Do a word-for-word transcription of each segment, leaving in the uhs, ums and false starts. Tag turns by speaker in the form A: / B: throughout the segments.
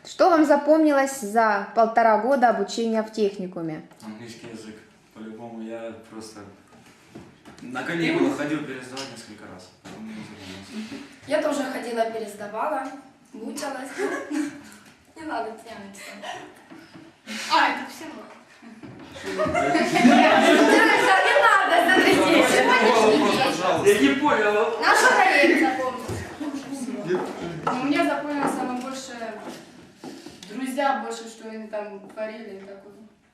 A: Что вам запомнилось за полтора года обучения в техникуме?
B: Английский язык. По-любому я просто на каникулах ходил пересдавать несколько раз.
C: Я тоже ходила, пересдавала, мучилась. Не надо тянуть. А, это все. Не надо, смотрите. Сегодняшний
B: Я не понял.
C: Наша проект запомнилась.
D: Но мне запомнилось самое больше друзья, больше, что они там творили. Такое.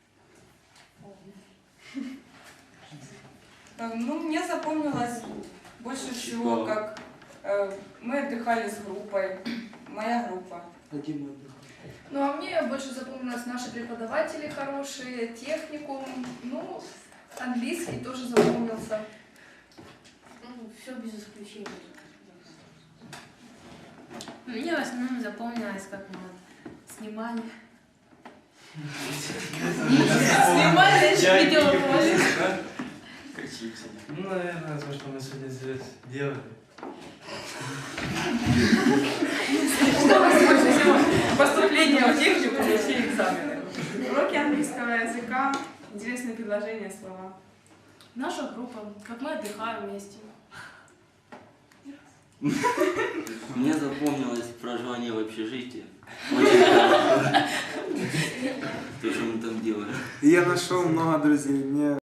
E: Ну, мне запомнилось больше всего, как э, мы отдыхали с группой, моя группа.
D: Ну, а мне больше запомнилось наши преподаватели хорошие, техникум, ну, английский тоже запомнился.
C: Ну, все без исключения.
F: Мне в основном запомнилось, как мы вот снимали. Снимали видеоролик.
G: Ну, наверное, то, что мы сегодня здесь делали.
E: Что у нас больше всего? Поступление в технику и все экзамены.
D: Уроки английского языка, интересные предложения, слова.
F: Наша группа, как мы отдыхаем вместе.
H: Мне запомнилось проживание в общежитии. Очень хорошо. То, что мы там делали.
I: Я нашел много друзей. Мне